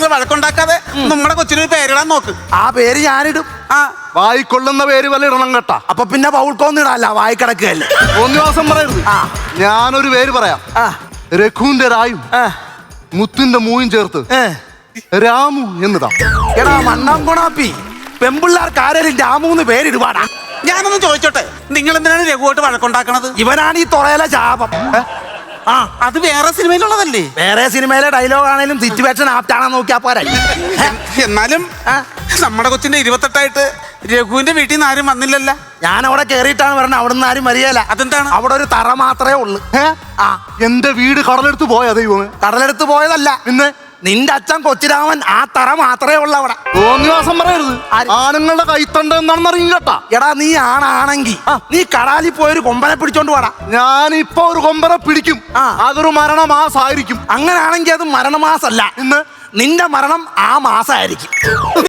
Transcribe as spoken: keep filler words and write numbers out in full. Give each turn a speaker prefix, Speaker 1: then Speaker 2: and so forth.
Speaker 1: നിന്ന് വഴക്കുണ്ടാക്കാതെ നമ്മുടെ കൊച്ചിനൊരു പേരിടാൻ നോക്ക്.
Speaker 2: ആ പേര് ഞാനിടും.
Speaker 1: ആ
Speaker 3: വായിക്കൊള്ളുന്ന പേര് വല്ല ഇടണം കേട്ടാ.
Speaker 2: അപ്പൊ പിന്നെ പൗൾക്കൊന്നിടല്ല, വായിക്കിടക്കുകയല്ലേ.
Speaker 3: ഒന്നിവാസം പറയരുത്.
Speaker 2: ആ
Speaker 3: ഞാനൊരു പേര് പറയാം.
Speaker 2: ആ
Speaker 3: രഘുവിന്റെ രായും
Speaker 2: ആ
Speaker 3: മുത്തിന്റെ മൂയും ചേർത്ത്
Speaker 2: ഏ.
Speaker 3: രാമു എന്നതാ.
Speaker 2: എടാ മണ്ണാം കൊണാപ്പി, പെമ്പിള്ളാർക്ക് ആരേലും രാമൂന്ന് പേരിടുവാടാ.
Speaker 1: ഞാനൊന്ന് ചോദിച്ചോട്ടെ, നിങ്ങൾ എന്തിനാണ് രഘുവായിട്ട് വഴക്കുണ്ടാക്കണത്?
Speaker 2: ഇവനാണ് ഈ തുറയിലെ ശാപം.
Speaker 1: ആ അത് വേറെ സിനിമയിലുള്ളതല്ലേ?
Speaker 2: വേറെ സിനിമയിലെ ഡയലോഗ് ആണേലും സിറ്റുവേഷൻ ആപ്റ്റാണോ നോക്കിയാ പോരാ.
Speaker 1: എന്നാലും നമ്മുടെ കൊച്ചിന്റെ ഇരുപത്തെട്ടായിട്ട് രഘുവിന്റെ വീട്ടിൽ നിന്ന് ആരും വന്നില്ലല്ല.
Speaker 2: ഞാൻ അവിടെ കേറിയിട്ടാണ് പറഞ്ഞത്, അവിടെ നിന്ന് ആരും വരികയില്ല.
Speaker 1: അതെന്താണ്?
Speaker 2: അവിടെ ഒരു തറ മാത്രമേ ഉള്ളു.
Speaker 3: ആ എന്റെ വീട് കടലെടുത്ത് പോയ ദൈവമേ.
Speaker 2: കടലെടുത്ത് പോയതല്ല,
Speaker 3: പിന്നെ
Speaker 2: നിന്റെ അച്ഛൻ കൊച്ചിരാമൻ ആ തറ മാത്രമേ ഉള്ളു അവിടെ.
Speaker 3: തോന്നിവാസം പറയരുത്. ആണുങ്ങളുടെ കൈത്തണ്ട എന്താണെന്ന് അറിയും കേട്ടാ.
Speaker 2: എടാ നീ ആണാണെങ്കി നീ കടാലിൽ പോയൊരു കൊമ്പനെ പിടിച്ചോണ്ട് പോടാ.
Speaker 3: ഞാനിപ്പോ ഒരു കൊമ്പനെ പിടിക്കും. അതൊരു മരണമാസായിരിക്കും.
Speaker 2: അങ്ങനാണെങ്കി അത് മരണമാസല്ല,
Speaker 3: ഇന്ന്
Speaker 2: നിന്റെ മരണം ആ മാസമായിരിക്കും.